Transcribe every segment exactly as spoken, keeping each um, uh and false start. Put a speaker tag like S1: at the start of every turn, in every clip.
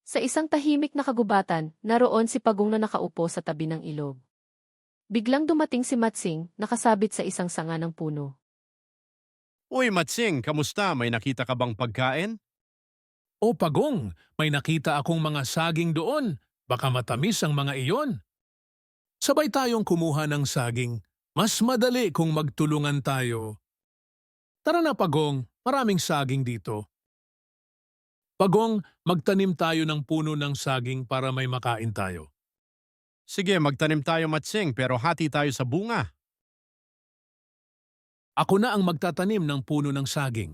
S1: Sa isang tahimik na kagubatan, naroon si Pagong na nakaupo sa tabi ng ilog. Biglang dumating si Matsing, nakasabit sa isang sanga ng puno.
S2: Uy, Matsing, kamusta? May nakita ka bang pagkain?
S3: O Pagong, may nakita akong mga saging doon. Baka matamis ang mga iyon. Sabay tayong kumuha ng saging. Mas madali kung magtulungan tayo. Tara na Pagong, maraming saging dito. Pagong, magtanim tayo ng puno ng saging para may makain tayo.
S2: Sige, magtanim tayo, Matsing, pero hati tayo sa bunga.
S3: Ako na ang magtatanim ng puno ng saging.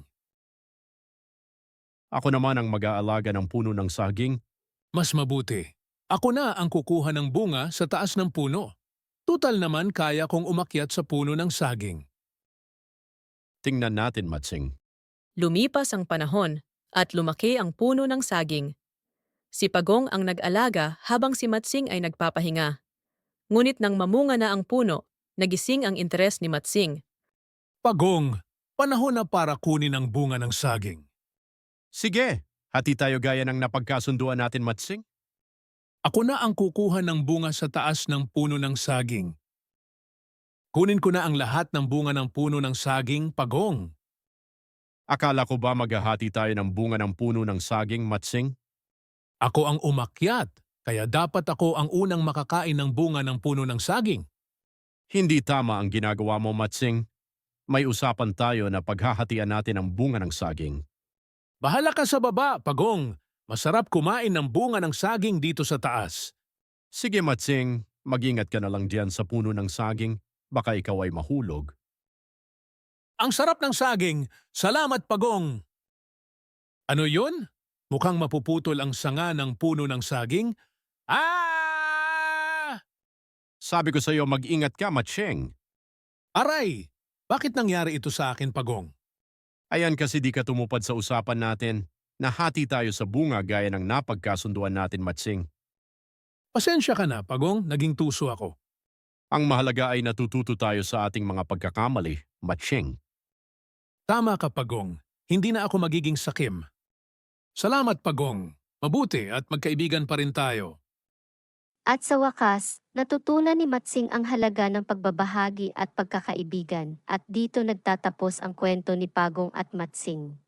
S2: Ako naman ang mag-aalaga ng puno ng saging.
S3: Mas mabuti. Ako na ang kukuha ng bunga sa taas ng puno. Tutal naman kaya kong umakyat sa puno ng saging.
S2: Tingnan natin, Matsing.
S4: Lumipas ang panahon at lumaki ang puno ng saging. Si Pagong ang nag-alaga habang si Matsing ay nagpapahinga. Ngunit nang mamunga na ang puno, nagising ang interes ni Matsing.
S3: Pagong, panahon na para kunin ang bunga ng saging.
S2: Sige, hati tayo gaya ng napagkasunduan natin, Matsing.
S3: Ako na ang kukuha ng bunga sa taas ng puno ng saging. Kunin ko na ang lahat ng bunga ng puno ng saging, Pagong.
S2: Akala ko ba maghahati tayo ng bunga ng puno ng saging, Matsing?
S3: Ako ang umakyat, kaya dapat ako ang unang makakain ng bunga ng puno ng saging.
S2: Hindi tama ang ginagawa mo, Matsing. May usapan tayo na paghahatian natin ang bunga ng saging.
S3: Bahala ka sa baba, Pagong. Masarap kumain ng bunga ng saging dito sa taas.
S2: Sige, Matsing, mag-ingat ka na lang diyan sa puno ng saging. Baka ikaw ay mahulog.
S3: Ang sarap ng saging. Salamat, Pagong. Ano yun? Mukhang mapuputol ang sanga ng puno ng saging. Ah!
S2: Sabi ko sa iyo, mag-ingat ka, Matsing.
S3: Aray! Bakit nangyari ito sa akin, Pagong?
S2: Ayan kasi di ka tumupad sa usapan natin. Nahati tayo sa bunga gaya ng napagkasunduan natin, Matsing.
S3: Pasensya ka na, Pagong. Naging tuso ako.
S2: Ang mahalaga ay natututo tayo sa ating mga pagkakamali, Matsing.
S3: Tama ka, Pagong. Hindi na ako magiging sakim. Salamat, Pagong. Mabuti at magkaibigan pa rin tayo.
S5: At sa wakas, natutunan ni Matsing ang halaga ng pagbabahagi at pagkakaibigan, at dito nagtatapos ang kwento ni Pagong at Matsing.